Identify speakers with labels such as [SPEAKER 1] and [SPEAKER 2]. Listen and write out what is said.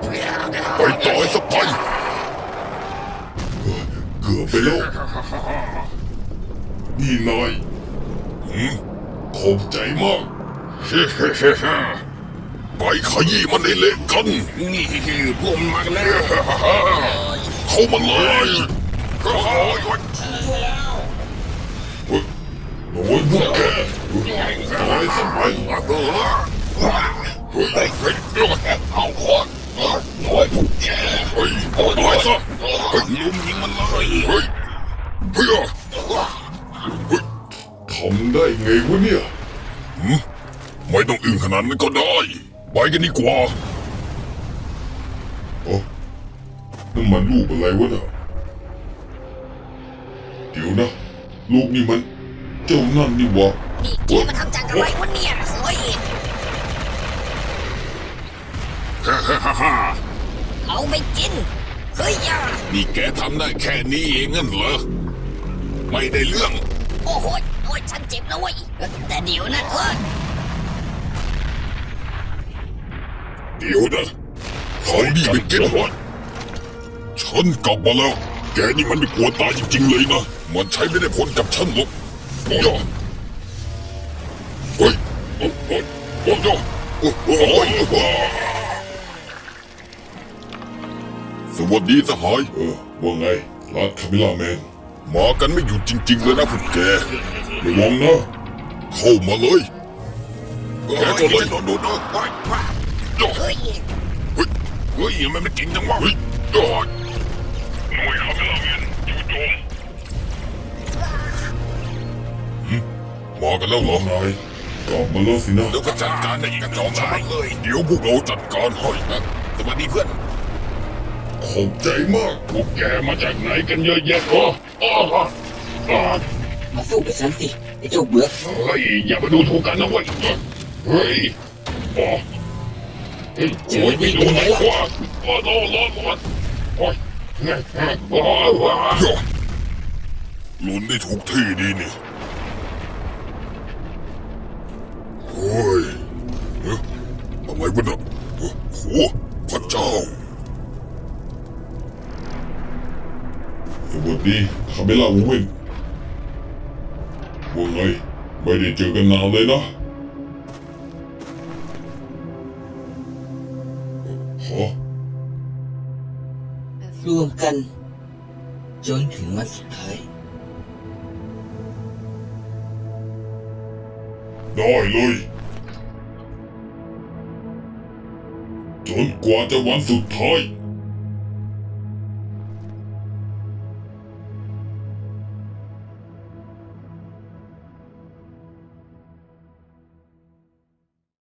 [SPEAKER 1] ไปตายสักไปเกือบไปแล้วนี่นายขอบใจมากไปขยี้มันให้เละกันนี่พวกมันมากันแล้วเข้ามาเลยโอ้ยพวกแกตายสักไปเอาขวานโอ้ยพวกแกตายซะลุมยิงมันเลยเฮ้ยทำได้ไงวะเนี่ยไม่ต้องอึ้งขนาดนั้นก็ได้ไปกันดีกว่านั่นมันลูกอะไรวะน่ะเดี๋ยวนะลูกนี่มันเจ้านั่นนี่วะ
[SPEAKER 2] นี่แกมาทำจังอะไรวะเนี่ยเฮ้ยเอาไปกินเฮ้ยย่า
[SPEAKER 1] นี่แกทำได้แค่นี้เองงั้นเหรอไม่ได้เรื่อง
[SPEAKER 2] โอ้โหฉันเจ็บแล้วเว้ยแต่เดี๋ยวนะ
[SPEAKER 1] เดี๋ยวนะเขาดีไปกินหมดฉันกลับมาแล้วแกนี่มันไม่กลัวตายจริงๆเลยนะมันใช้ไม่ได้ผลกับฉันหรอกเฮ้ยสวัสดีสหายว่าไงรัดคามิล่าแมนมากันไม่หยุดจริงๆเลยนะพวกแกระวังนะเข้ามาเลยแกก็เลยโดนเฮ้ยมันไม่จริงจังวะเฮ้ยหน่วยคามิล่าแมนจู่โจมมากันแล้วเหรอนายกลับมาแล้วสินะแล้วก็จัดการในอีกจอมชายเลยเดี๋ยวพวกเราจัดการให้สวัสดีเพื่อนขอบใจมากพวกแกมาจากไหนกันเยอะแยะ
[SPEAKER 2] มาสู้กับฉันสิไอ้เจ้าเบื่อ
[SPEAKER 1] เฮ้ยอย่ามาดูถูกกันนะเว้ยเฮ้ย
[SPEAKER 2] เจอไม่ดูไหมล่ะ
[SPEAKER 1] ร้อนหลุนได้ถูกที่ดีนี่เฮ้ยอะไรวะเนี่ยโหพระเจ้าสวัสดีคาเมล่าวูเวนว่าไงไม่ได้เจอกันนานเลยนะ
[SPEAKER 2] รวมกันจนถึงวันสุดท้าย
[SPEAKER 1] ได้เลยจนกว่าจะวันสุดท้าย